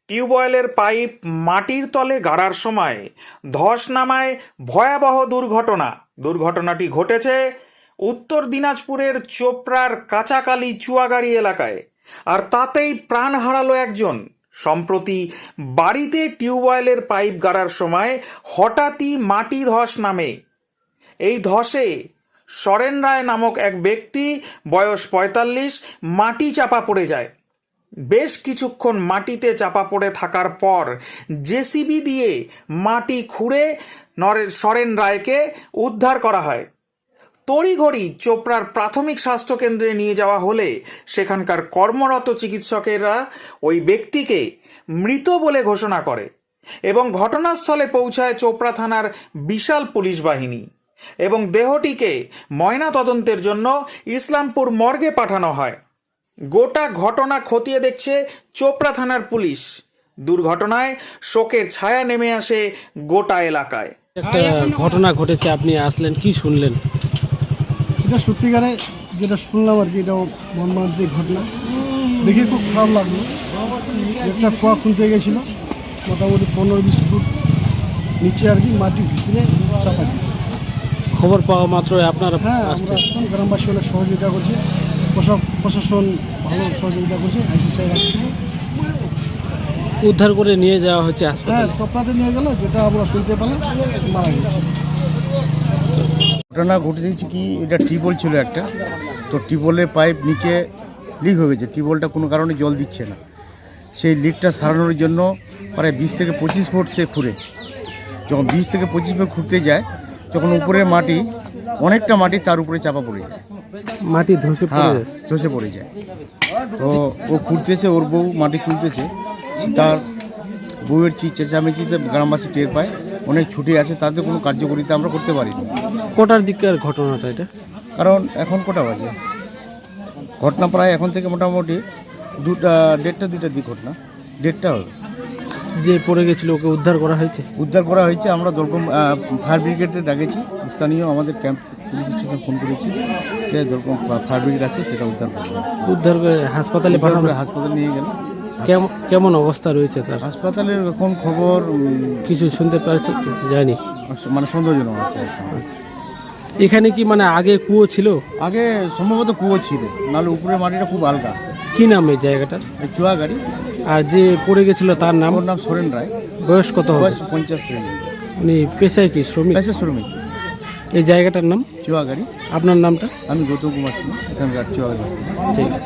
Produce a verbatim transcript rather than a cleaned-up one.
টিউবওয়েলের পাইপ মাটির তলে গাড়ার সময় ধস নামায় ভয়াবহ দুর্ঘটনা দুর্ঘটনাটি ঘটেছে উত্তর দিনাজপুরের চোপড়ার কাঁচাকালী চুয়াগাড়ি এলাকায়। আর তাতেই প্রাণ হারালো একজন। সম্প্রতি বাড়িতে টিউবওয়েলের পাইপ গাড়ার সময় হঠাৎই মাটি ধস নামে। এই ধসে সরেন রায় নামক এক ব্যক্তি, বয়স পঁয়তাল্লিশ, মাটি চাপা পড়ে যায়। বেশ কিছুক্ষণ মাটিতে চাপা পড়ে থাকার পর জেসিবি দিয়ে মাটি খুঁড়ে নরের সরেন রায়কে উদ্ধার করা হয়। তড়িঘড়ি চোপড়ার প্রাথমিক স্বাস্থ্যকেন্দ্রে নিয়ে যাওয়া হলে সেখানকার কর্মরত চিকিৎসকেরা ওই ব্যক্তিকে মৃত বলে ঘোষণা করে এবং ঘটনাস্থলে পৌঁছায় চোপড়া থানার বিশাল পুলিশ বাহিনী এবং দেহটিকে ময়না তদন্তের জন্য ইসলামপুর মর্গে পাঠানো হয়। গোটা ঘটনা খতিয়ে দেখছে চোপড়া থানার পুলিশ। দুর্ঘটনায় শোকের ছায়া নেমে আসে গোটা এলাকায়। একটা ঘটনা ঘটেছে, আপনি আসলেন, কি শুনলেন? এটা সত্যিকারে যেটা শুনলাম আর কি, এটা মর্মান্তিক ঘটনা দেখে খুব খারাপ লাগলো। একটা কুয়া খুলতে গেছিল, মোটামুটি পনেরো বিশ ফুট নিচে আর কি মাটি ভিসলে চাপা দিয়ে। খবর পাওয়া মাত্র আপনারা? হ্যাঁ, আমরা আসলাম, গ্রামবাসী অনেক সহযোগিতা করছে, প্রশাসন ভালো সহযোগিতা করছে, আইসি সাহেব আসছিল, উদ্ধার করে নিয়ে যাওয়া হচ্ছে হ্যাঁ হাসপাতালে। চোপড়াতে নিয়ে গেল, যেটা আমরা শুনতে পেলাম মারা গেছে। ঘটনা ঘটেছে কি, এটা টিউবওয়েল ছিল একটা, তো টিউবওয়েলের পাইপ নিচে লিক হয়ে গেছে। টিউবওয়েলটা কোনো কারণে জল দিচ্ছে না। সেই লিকটা সারানোর জন্য প্রায় বিশ থেকে পঁচিশ ফুট সে খুঁড়ে, যখন বিশ থেকে পঁচিশ ফুট খুঁড়তে যায়, যখন উপরের মাটি অনেকটা মাটি তার উপরে চাপা পড়ে যায়, মাটি ধসে পড়ে হ্যাঁ যায়। ধসে পড়ে যায়। তো ও খুঁড়তেছে, ওর বউ মাটি তুলতেছে, তার বউয়ের চি চেঁচামেচিতে গ্রামবাসী টের পায়, অনেক ছুটি আছে, তাদের কোনো কার্যকরিতা আমরা করতে পারিনি। কোটার দিকের ঘটনাটা এটা? কারণ এখন কটা বাজে, ঘটনা প্রায় এখন থেকে মোটামুটি দুটা দেড়টা দুইটার দিক ঘটনা, দেড়টা হবে। যে পড়ে গেছিল ওকে উদ্ধার করা হয়েছে? উদ্ধার করা হয়েছে। আমরা দলকম ফায়ার ব্রিগেডে ডাকেছি, স্থানীয় আমাদের ক্যাম্প পুলিশ স্টেশনে ফোন করেছি, সে দলকম ফায়ার ব্রিগেড আছে, সেটা উদ্ধার করবে। উদ্ধার করে হাসপাতালে পাঠানো? হাসপাতালে নিয়ে গেল। কেমন কেমন অবস্থা রয়েছে তার? হাসপাতালের এখন খবর কিছু শুনতে পারছে? কিছু জানি, মানে সন্দেহজনক আছে। এখানে কি মানে আগে কুয়ো ছিল? আগে সম্ভবত কুয়ো ছিল, নাহলে উপরের মাটিটা খুব হালকা। কি নাম এই জায়গাটার? চুয়াগাড়ি। আর যে পড়ে গেছিল তার নাম? ওর নাম সরেন রায়। বয়স কত হবে? বয়স পঞ্চাশ শ্রেণী। উনি পেশায় কি শ্রমিক? পেশা শ্রমিক। এই জায়গাটার নাম? চুয়াগাড়ি। আপনার নামটা? আমি গৌতম কুমার সিং, এখানকার চুয়াগাড়ি। ঠিক আছে।